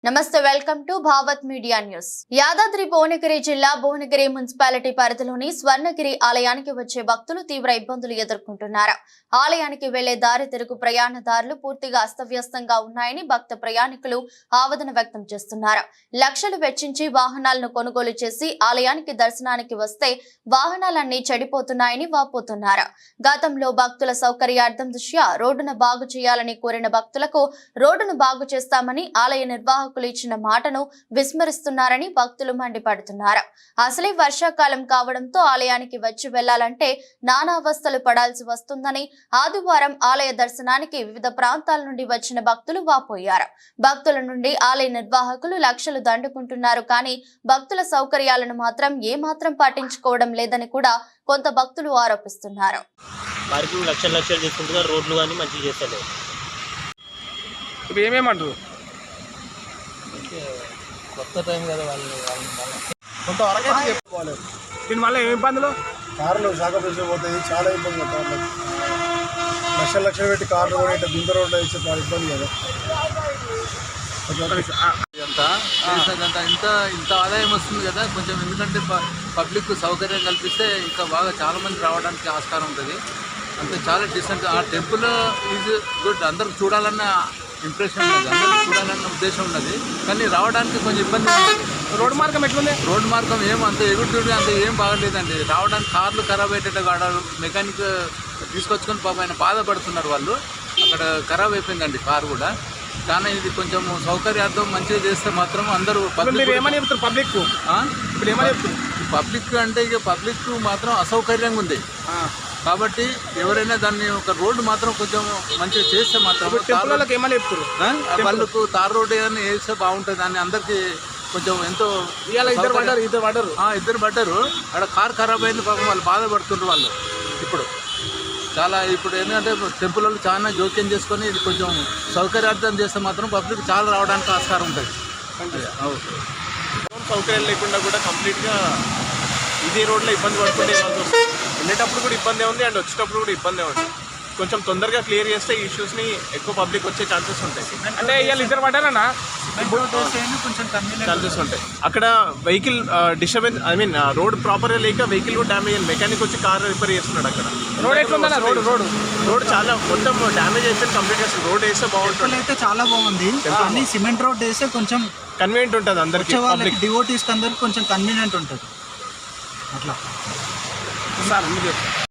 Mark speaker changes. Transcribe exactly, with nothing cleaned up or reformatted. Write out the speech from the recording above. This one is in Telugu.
Speaker 1: నమస్తే welcome to Bhavath media news. Yadadri Bhuvanagiri జిల్లా భువనగిరి మున్సిపాలిటీ పరిధిలోని స్వర్ణగిరి ఆలయానికి వచ్చే భక్తులు తీవ్ర ఇబ్బందులు ఎదుర్కొంటున్నారు. ఆలయానికి వెళ్లే దారి తెరుగు ప్రయాణదారులు పూర్తిగా అస్తవ్యస్తంగా ఉన్నాయని భక్త ప్రయాణికులు ఆవేదన వ్యక్తం చేస్తున్నారు. లక్షలు వెచ్చించి వాహనాలను కొనుగోలు చేసి ఆలయానికి దర్శనానికి వస్తే వాహనాలన్నీ చెడిపోతున్నాయని వాపోతున్నారు. గతంలో భక్తుల సౌకర్యార్థం దృష్ట్యా రోడ్డును బాగు చేయాలని కోరిన భక్తులకు రోడ్డును బాగు చేస్తామని ఆలయ నిర్వాహకులు ఇచ్చిన మాటను విస్మరిస్తున్నారని భక్తులు మండిపడుతున్నారు. అసలే వర్షాకాలం కావడంతో ఆలయానికి వచ్చి వెళ్లాలంటే నానా అవస్థలు పడాల్సి వస్తుందని ఆదివారం ఆలయ దర్శనానికి వివిధ ప్రాంతాల నుండి వచ్చిన భక్తులు వాపోయారు. భక్తుల నుండి ఆలయ నిర్వాహకులు లక్షలు దండుకుంటున్నారు కానీ భక్తుల సౌకర్యాలను మాత్రం ఏమాత్రం పట్టించుకోవడం లేదని కూడా కొంత భక్తులు ఆరోపిస్తున్నారు.
Speaker 2: లక్షలు లక్షలు తీసుకుంటున్నారు, రోడ్లు కానీ మంచిగా చేస్తలేదు.
Speaker 3: ఇప్పుడు ఏమేమంటారు?
Speaker 4: కొత్త టైం కదా వాళ్ళు
Speaker 3: కొంతవరకు అయితే చెప్పుకోవాలి. దీనివల్ల ఏమి ఇబ్బందులు?
Speaker 5: కార్లు సాగపరిచి పోతాయి, చాలా ఇబ్బంది. కార్లు లక్షల లక్షలు పెట్టి కార్లు కూడా ఇట్లా గుంత రోడ్లు వేస్తే చాలా ఇబ్బంది కదా.
Speaker 4: ఇదంతా చేసినదంతా ఇంత ఇంత ఆదాయం వస్తుంది కదా కొంచెం, ఎందుకంటే పబ్లిక్ సౌకర్యం కల్పిస్తే ఇంకా బాగా చాలా మంది రావడానికి ఆస్కారం ఉంటుంది. అంతే చాలా డిసెంట్. ఆ టెంపుల్ ఈజ్ గుడ్, అందరికి చూడాలన్న ఇంప్రెషన్ ఉన్నది, అందరికి చూడాలన్న ఉద్దేశం ఉన్నది. కానీ రావడానికి కొంచెం ఇబ్బంది.
Speaker 3: రోడ్డు మార్గం ఎట్లుంది?
Speaker 4: రోడ్డు మార్గం ఏం అంత ఎగురుతుడి అంత ఏం బాగలేదండి. రావడానికి కార్లు ఖరాబ్ అయ్యేటట్టు ఆడారు. మెకానిక్ తీసుకొచ్చుకొని పాప ఆయన బాధపడుతున్నారు వాళ్ళు. అక్కడ ఖరాబ్ అయిపోయిందండి కారు కూడా. కానీ ఇది కొంచెం సౌకర్యార్థం మంచిగా చేస్తే మాత్రం అందరూ
Speaker 3: పబ్లిక్ ఏమని చెప్తారు? పబ్లిక్ ఇప్పుడు ఏమని చెప్తారు?
Speaker 4: పబ్లిక్ అంటే ఇక పబ్లిక్ మాత్రం అసౌకర్యంగా ఉంది కాబట్టి ఎవరైనా దాన్ని ఒక రోడ్డు మాత్రం కొంచెం మంచిగా చేస్తే మాత్రం
Speaker 3: ఏమని చెప్తారు?
Speaker 4: వాళ్ళకు తార్ రోడ్డు ఏదైనా వేస్తే బాగుంటుంది అని అందరికీ కొంచెం ఎంతో.
Speaker 3: ఇద్దరు పడ్డారు ఇద్దరు పడ్డారు
Speaker 4: ఇద్దరు పడ్డారు అక్కడ కార్ ఖరాబ్ అయింది పాపం, వాళ్ళు బాధపడుతున్నారు వాళ్ళు. ఇప్పుడు చాలా ఇప్పుడు ఏంటంటే టెంపుల్ వాళ్ళు చాలా జోక్యం చేసుకొని ఇది కొంచెం సౌకర్యార్థం చేస్తే మాత్రం పబ్లిక్ చాలా రావడానికి ఆస్కారం ఉంటుంది.
Speaker 3: సౌకర్యాలు లేకుండా కూడా కంప్లీట్గా ఇదే రోడ్లో ఇబ్బంది పడుతుంటే వెళ్ళేటప్పుడు కూడా ఇబ్బందే ఉంది అండ్ వచ్చేటప్పుడు కూడా ఇబ్బందే ఉంది. కొంచెం తొందరగా క్లియర్ చేస్తే ఈ ఇష్యూస్ని ఎక్కువ పబ్లిక్ వచ్చే ఛాన్సెస్ ఉంటాయి. అంటే ఇవాళ ఇద్దరు పడ్డారన్నా
Speaker 4: కొంచెం
Speaker 3: ఛాన్సెస్ ఉంటాయి. అక్కడ vehicle disturbance, I mean road ప్రాపర్గా లేక వెహికల్ కూడా డ్యామేజ్ అయింది. మెకానిక్ వచ్చి కార్ రిపేర్ చేస్తున్నాడు అక్కడ.
Speaker 6: రోడ్ ఎట్లుందా? రోడ్ రోడ్
Speaker 3: రోడ్ చాలా మొత్తం డ్యామేజ్ అయిపోయింది కంప్లీట్గా. రోడ్ వేస్తే బాగుంటుంది.
Speaker 6: అయితే చాలా బాగుంది కానీ సిమెంట్ రోడ్ వేస్తే కొంచెం
Speaker 3: కన్వీనియంట్ ఉంటుంది అందరికి.
Speaker 6: డివోటీస్ అందరికి కొంచెం కన్వీనియంట్ ఉంటుంది అట్లా.
Speaker 3: సార్